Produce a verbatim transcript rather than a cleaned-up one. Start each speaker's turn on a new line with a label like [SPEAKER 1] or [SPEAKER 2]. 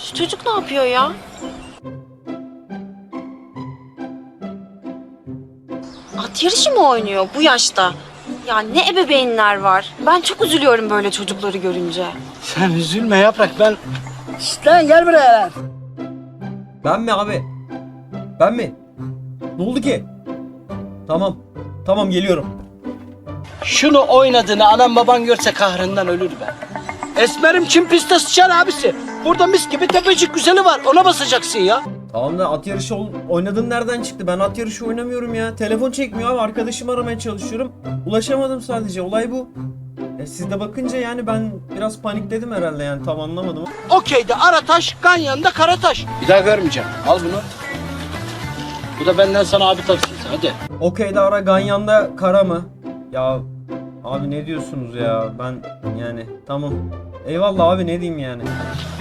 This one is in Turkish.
[SPEAKER 1] Şu çocuk ne yapıyor ya? At yarışı mı oynuyor bu yaşta? Ya ne ebeveynler var. Ben çok üzülüyorum böyle çocukları görünce.
[SPEAKER 2] Sen üzülme Yaprak, ben... Şşt lan gel buraya lan.
[SPEAKER 3] Ben mi abi? Ben mi? Ne oldu ki? Tamam. Tamam geliyorum.
[SPEAKER 2] Şunu oynadığını anam baban görse kahrından ölür be. Esmerim Çin pistte sıçar abisi. Burada mis gibi tepecik güzeli var, ona basacaksın ya.
[SPEAKER 3] Tamam da at yarışı ol- oynadığın nereden çıktı? Ben at yarışı oynamıyorum ya. Telefon çekmiyor abi. Arkadaşımı aramaya çalışıyorum. Ulaşamadım sadece. Olay bu. E siz de bakınca yani ben biraz panikledim herhalde yani. Tam anlamadım.
[SPEAKER 2] Okey'de Arataş, Ganyan'da Karataş. Bir daha görmeyeceğim. Al bunu. Bu da benden sana abi tavsiyesi, hadi.
[SPEAKER 3] Okey'de ara Ganyan'da kara mı? Ya abi ne diyorsunuz ya? Ben yani tamam. Eyvallah abi ne diyeyim yani.